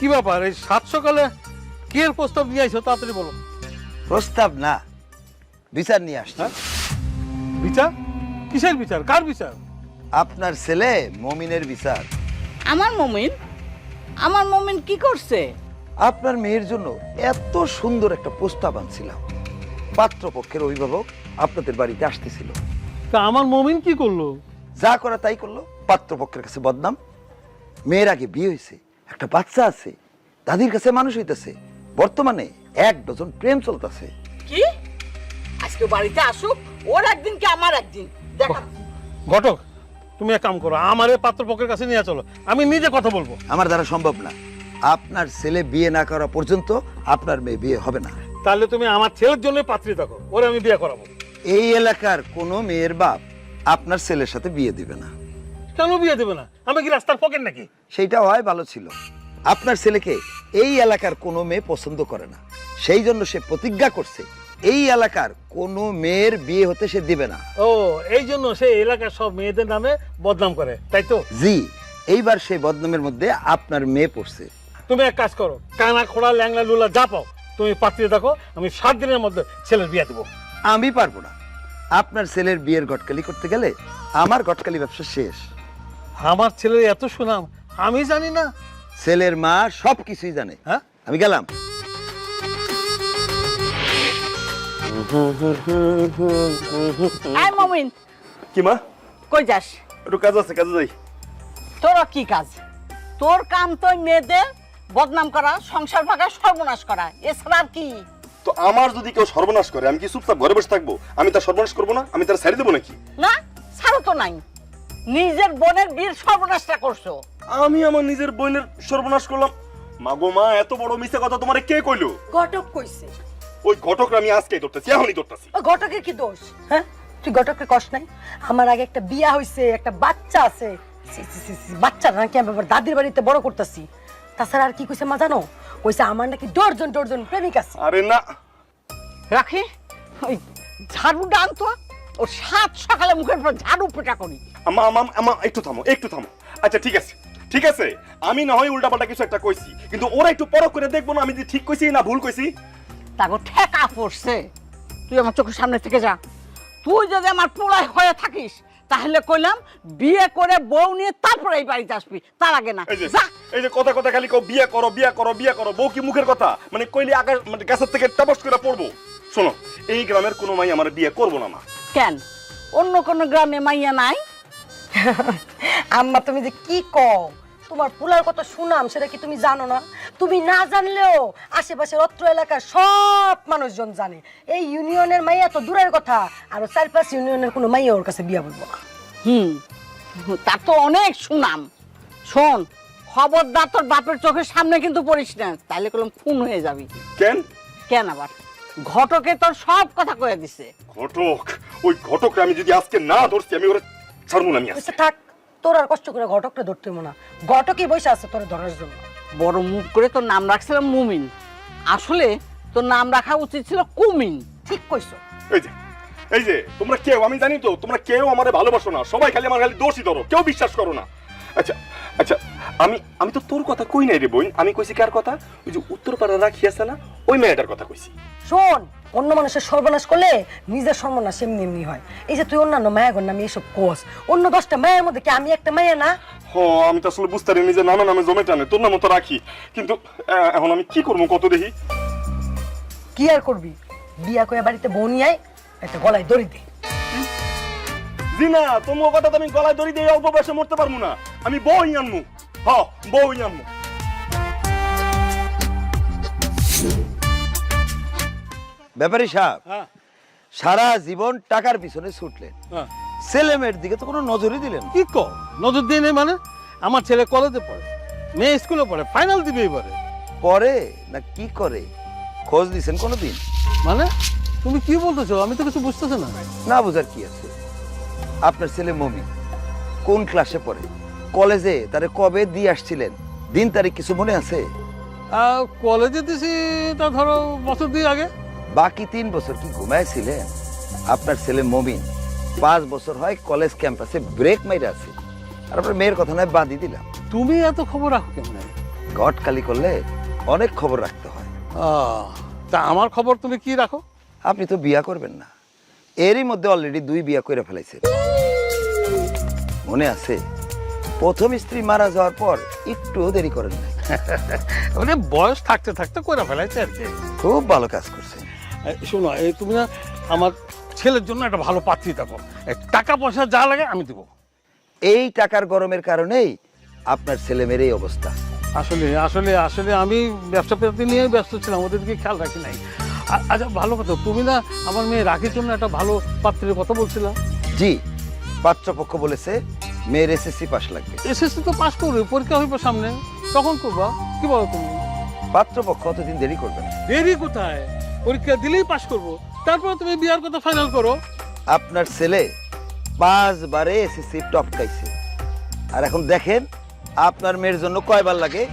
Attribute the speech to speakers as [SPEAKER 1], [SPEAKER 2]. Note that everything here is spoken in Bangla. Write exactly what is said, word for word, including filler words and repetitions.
[SPEAKER 1] কি ব্যাপার এই সাত সকালে কি এর প্রস্তাব নিয়ে আইছো তাড়াতাড়ি বলো।
[SPEAKER 2] প্রস্তাব না, বিচার নিয়ে আসছে।
[SPEAKER 1] বিচার? কিসের বিচার? কার বিচার?
[SPEAKER 2] আপনার ছেলে মমিনের বিচার।
[SPEAKER 3] আমার মমিন? আমার মমিন কি করছে?
[SPEAKER 2] আপনার মেয়ের জন্য এত সুন্দর একটা প্রস্তাব আনছিলাম, পাত্রপক্ষের অভিভাবক আপনাদের বাড়িতে আসতেছিল।
[SPEAKER 1] তা আমার মমিন কি করলো?
[SPEAKER 2] যা করা তাই করলো, পাত্রপক্ষের কাছে বদনাম। মেয়ের আগে বিয়ে হয়েছে, একটা বাচ্চা আছে, দাদির কাছে মানুষ হইতেছে, বর্তমানে এক ডজন প্রেম চলতেছে।
[SPEAKER 3] কি আজকে বাড়িতে আসুক, ওর একদিন কি আমার একদিন দেখা।
[SPEAKER 1] ঘটক, তুমি এক কাম করো, আমার এই পাত্রপক্ষের কাছে নিয়ে চলো, আমি নিজে কথা বলবো।
[SPEAKER 2] আমার দ্বারা সম্ভব না। আপনার ছেলে বিয়ে না করা পর্যন্ত আপনার মেয়ে বিয়ে হবে না।
[SPEAKER 1] তাহলে তুমি আমার ছেলের জন্য পাত্রী থাকো, ওরে আমি বিয়ে করাবো।
[SPEAKER 2] এই এলাকার কোনো মেয়ের বাপ আপনার ছেলের সাথে বিয়ে দিবে না।
[SPEAKER 1] কেন বিয়ে দেবে না? আমি কি রাস্তার পকেট নাকি?
[SPEAKER 2] সেইটা হয় ভালো ছিল। আপনার ছেলেকে এই এলাকার কোনো মেয়ে পছন্দ করে না, সেই জন্য সে প্রতিজ্ঞা করছে এই এলাকার কোনো মেয়ের বিয়ে হতে সে দিবে না।
[SPEAKER 1] ও, এই জন্য সে এলাকার সব মেয়েদের নামে বদনাম করে, তাই তো?
[SPEAKER 2] জি, এইবার সেই বদনামের মধ্যে আপনার মেয়ে পড়ছে।
[SPEAKER 1] তুমি এক কাজ করো, কানা খোড়া ল্যাংলা লুলা যা পাও তুমি পাত্রী দেখো, আমি সাত দিনের মধ্যে ছেলের বিয়ে দেবো।
[SPEAKER 2] আমি পারবো না। আপনার ছেলের বিয়ের গটকালি করতে গেলে আমার গটকালি ব্যবসা শেষ।
[SPEAKER 1] আমার ছেলের এত সুনাম আমি জানি না?
[SPEAKER 2] ছেলের মা সব কিছুই জানে।
[SPEAKER 1] হ্যাঁ,
[SPEAKER 2] আমি গেলাম।
[SPEAKER 3] আয় মমিন।
[SPEAKER 4] কি মা?
[SPEAKER 3] কই যাস?
[SPEAKER 4] একটু কাজ আছে, কাজে যাই।
[SPEAKER 3] তোর কি কাজ? তোর কাম তো মেয়েদের বদনাম করা, সংসার ভাঙা, সর্বনাশ করা, এছাড়া আর কি?
[SPEAKER 4] তো আমার যদি কেউ সর্বনাশ করে আমি কি চুপচাপ ঘরে বসে থাকবো? আমি তার সর্বনাশ করবো না? আমি তার ছাড়ি দেবো নাকি?
[SPEAKER 3] না, ছাড়ো তো নাই। নিজের বোনের বীর সর্বনাশটা করছো।
[SPEAKER 4] আমি আমার নিজের বোনের সর্বনাশ করলাম? মাগো মা, এত বড় মিথ্যা কথা তোমারে কে কইলো?
[SPEAKER 5] ঘটক কইছে।
[SPEAKER 4] ওই ঘটকরা আমি আজকেই ধরতেছি, এখনই ধরতেছি।
[SPEAKER 5] ও ঘটকের কি দোষ? হ্যাঁ, তুই ঘটকের কষ্ট নাই? আমার আগে একটা বিয়া হইছে, একটা বাচ্চা আছে। সি, সি, সি, সি, বাচ্চাটা নাকি আমি আবার দাদির বাড়িতে বড় করতেছি। তাছাড়া আর কি কইছে মা জানো? কইছে আমার নাকি ডর্জন ডর্জন প্রেমিক আছে।
[SPEAKER 4] আরে না,
[SPEAKER 3] রাখি ওই ঝাড়ুটা আনতো, ও সাত সকালে মুখের উপর ঝাড়ু পেটা করি।
[SPEAKER 4] আমা আমা আমা একটু থামো, একটু থামো। আচ্ছা ঠিক আছে, ঠিক আছে, আমি না হয় উল্টাপাল্টা কিছু একটা কইছি, কিন্তু ওরা একটু পরখ করে দেখবো না আমি যে ঠিক কইছি না ভুল কইছি?
[SPEAKER 3] তাকে ঠেকা পড়ছে। তুই আমার চোখের সামনে থেকে যা। তুই যদি আমার পোড়ায় হয়ে থাকিস তাহলে কইলাম বিয়ে করে বউ নিয়ে তারপরে এই বাড়িতে আসবি, তার আগে না।
[SPEAKER 4] এই যে
[SPEAKER 3] যা।
[SPEAKER 4] এই যে কথা কথা খালি কও বিয়ে করো বিয়ে করো বিয়ে করো, বউ কি মুখের কথা? মানে কইলে আকাশ মানে গাছের থেকে টপস করে পড়বো? শোনো, এই গ্রামের কোনো মাই আমার বিয়ে করবো না মা।
[SPEAKER 3] কেন অন্য কোন গ্রামে মাইয়া নাই?
[SPEAKER 5] আম্মা তুমি যে কি কও? তোমার পুলার কত সুনাম সেটা কি তুমি জানো না? তুমি না জানলেও আশেপাশের অত্র এলাকার সব মানুষজন জানে। এই ইউনিয়নের মাইয়া তো দূরের কথা, আর চার পাঁচ ইউনিয়নের কোনো মাইয়া ওর কাছে বিয়া বলবো না।
[SPEAKER 3] হুম, তার তো অনেক সুনাম। শোন, খবরদার তোর বাপের চোখের সামনে কিন্তু পড়িস না, তাহলে কলম খুন হয়ে যাবি।
[SPEAKER 4] কেন?
[SPEAKER 3] কেন আবার? ঘটকে তোর সব কথা কয়ে দিছে।
[SPEAKER 4] ঘটক? ওই ঘটকরা আমি যদি আজকে না ধরছি আমি ওরা ছাড়বো না। আমি আজকে
[SPEAKER 5] আচ্ছা থাক, তোর আর কষ্ট করে ঘটকটা ধরতে হইবো না। ঘটকই বসে আছে তোর ধরার জন্য।
[SPEAKER 3] বড় মুখ করে তোর নাম রাখছিলাম মুমিন, আসলে তোর নাম রাখা উচিত ছিল কুমিন।
[SPEAKER 5] ঠিক কইছো।
[SPEAKER 4] এই যে এই যে তোমরা কেউ, আমি জানি তো তোমরা কেউ আমারে ভালোবাসো না, সবাই খালি আমার খালি দোষই ধরো, কেউ বিশ্বাস করো না। আচ্ছা আচ্ছা, আমি আমি তো তোর কথা কই নাই রে বোন, আমি কইছি কার কথা? ওই যে উত্তরপাড়া রাখি আছে না, ওই মেয়েটার কথা কইছি।
[SPEAKER 5] শোন, অন্য মানুষের সর্বনাশ করলে নিজের সর্বনাশ এমনি এমনি হয়। এই যে তুই অন্যান্য মায়াগর নামে এসব কোস, অন্য দশটা মায়ের মধ্যে কি আমি একটা মায়া না?
[SPEAKER 4] হ, আমি তো আসলে বুঝতে পারি নিজের নামে নামে জমে টানে, তোর নাম তো রাখি, কিন্তু আহ, এখন আমি কি করবো কত দেখি।
[SPEAKER 5] কি আর করবি? বিয়া করে বাড়িতে বউ নিয়ে আয়, একটা গলায় দড়ি দে।
[SPEAKER 4] জি না, তোমার কথা তো আমি গলায় দড়ি দিয়ে অল্প বয়সে মরতে পারবো না, আমি বই আনমু। হ, বই আনমু।
[SPEAKER 2] ব্যাপারী সাহেব,
[SPEAKER 1] হ্যাঁ
[SPEAKER 2] সারা জীবন টাকার পিছনে ছুটলেন,
[SPEAKER 1] হ্যাঁ।
[SPEAKER 2] ছেলে মেয়ের দিকে তো কোনো নজরই দিলেন না।
[SPEAKER 1] কি কো নজর দিয়ে নেই মানে? আমার ছেলে কলেজে পড়ে, মেয়ে স্কুলে পড়ে, ফাইনাল দিবে এবারে।
[SPEAKER 2] পরে না কি করে খোঁজ দিছেন কোনোদিন?
[SPEAKER 1] মানে তুমি কি বলতেছো? আমি তো কিছু বুঝতেছি না।
[SPEAKER 2] না বুঝার কি আছে? আপনার ছেলে মমি কোন ক্লাসে পড়ে, কলেজে তারে কবে দিয়ে আসছিলেন, দিন তারিখ কিছু মনে আছে?
[SPEAKER 1] আহ, কলেজে দিছি তা ধরো বছর দুই আগে।
[SPEAKER 2] বাকি তিন বছর কি ঘুমাইছিলেন? আপনার ছেলে মমিন পাঁচ বছর হয় কলেজ ক্যাম্পাসে ব্রেক মাইরে আছে, আর আপনার মেয়ের কথা নয় বাদই দিলাম।
[SPEAKER 1] তুমি এত খবর রাখো কেমন?
[SPEAKER 2] গটকালি করলে অনেক খবর রাখতে হয়।
[SPEAKER 1] আহ, তা আমার খবর তুমি কি রাখো?
[SPEAKER 2] আপনি তো বিয়া করবেন না, এরই মধ্যে অলরেডি দুই বিয়া করে ফেলাইছেন। মনে আছে প্রথম স্ত্রী মারা যাওয়ার পর একটুও দেরি করেন নাই।
[SPEAKER 1] মানে বয়স থাকতে থাকতে করে ফেলাইছে আর কি।
[SPEAKER 2] খুব ভালো কাজ করছেন।
[SPEAKER 1] এই শোনো, এই তুমি না আমার ছেলের জন্য একটা ভালো পাত্রী দেখো, এই টাকা পয়সা যা লাগে আমি দেবো।
[SPEAKER 2] এই টাকার গরমের কারণেই আপনার ছেলে মেয়ের এই অবস্থা।
[SPEAKER 1] আসলে আসলে আসলে আমি ব্যবসা পাতি নিয়ে ব্যস্ত ছিলাম, ওদের দিকে খেয়াল রাখি নাই। আ- আচ্ছা ভালো কথা, তুমি না আমার মেয়ে রাখির জন্য একটা ভালো পাত্রের কথা বলছিলা?
[SPEAKER 2] জি, পাত্রপক্ষ বলেছে মেয়ের এসএসসি পাস লাগবে।
[SPEAKER 1] এসএসসি তো পাস করবে, পরীক্ষা হইব সামনে, তখন করবা। কি বলো তুমি?
[SPEAKER 2] পাত্রপক্ষ অতদিন দেরি করবে না।
[SPEAKER 1] দেরি কোথায়, পরীক্ষা দিলেই পাস করবো, তারপর তুমি বিয়ার কথা ফাইনাল করো।
[SPEAKER 2] আপনার ছেলে পাঁচবারে এসএসসি টপকাইছে, আর এখন দেখেন আপনার মেয়ের জন্য কয়বার লাগে